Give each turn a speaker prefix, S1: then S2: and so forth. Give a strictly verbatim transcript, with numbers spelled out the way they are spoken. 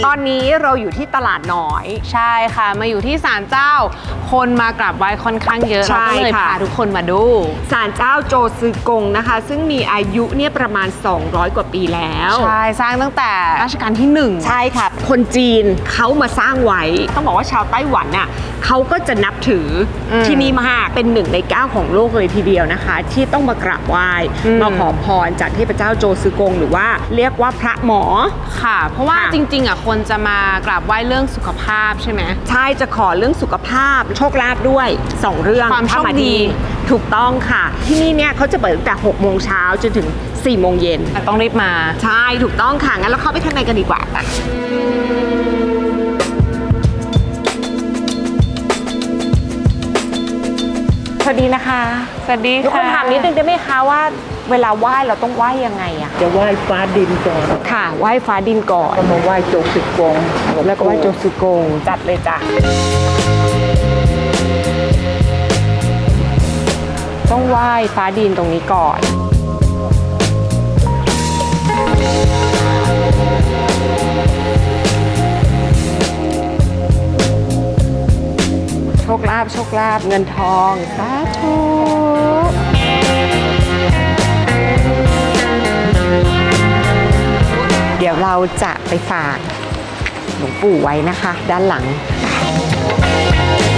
S1: ตอนนี้เราอยู่ที่ตลาดน้อย
S2: ใช่ค่ะมาอยู่ที่ศาลเจ้าคนมากราบไหว้ค่อนข้างเยอะเราก็เลยพาทุกคนมาดู
S1: ศาลเจ้าโจซือกงนะคะซึ่งมีอายุเนี่ยประมาณสองร้อยกว่าปีแล้ว
S2: ใช่สร้างตั้งแต่รัชกาลที่หนึ่ง
S1: ใช่ค่ะคนจีนเขามาสร้างไว้ต้องบอกว่าชาวไต้หวันน่ะเขาก็จะนับถือที่นี่มากเป็นหนึ่งในเก้าของโลกเลยทีเดียวนะคะที่ต้องมากราบไหว้มาขอพรจากเทพเจ้าโจซือกงหรือว่าเรียกว่าพระหมอ
S2: ค่ะเพราะว่าจริงๆอ่ะคนจะมากราบไหว้เรื่องสุขภาพใช่ไหม
S1: ใช่จะขอเรื่องสุขภาพโชคลาภด้วยสองเรื่อง
S2: ความโชคดี
S1: ถูกต้องค่ะที่นี่เนี่ยเขาจะเปิดตั้งแต่หกโมงเช้าจนถึงสี่โมงเย็น
S2: ต้องรีบมา
S1: ใช่ถูกต้องค่ะงั้นเราเข้าไปข้างในกันดีกว่าค่ะสวัสดีนะคะ
S2: สวัสดีค่ะ
S1: ทุกคนถามนิดนึงได้ไหมคะว่าเวลาไหว้เราต้องไหว้ยังไงอะ
S3: จะไหว้ฟ้าดินก่อน
S1: ค่ะไหว้ฟ้าดินก่อน
S3: ก็มาไหว้โจซือกง
S1: แล้วก็ไหว้โจซือกงจัดเลยจ้ะต้องไหว้ฟ้าดินตรงนี้ก่อนโชคลาภโชคลาภเงินทองสาธุเดี๋ยวเราจะไปฝากหลวงปู่ไว้นะคะด้านหลัง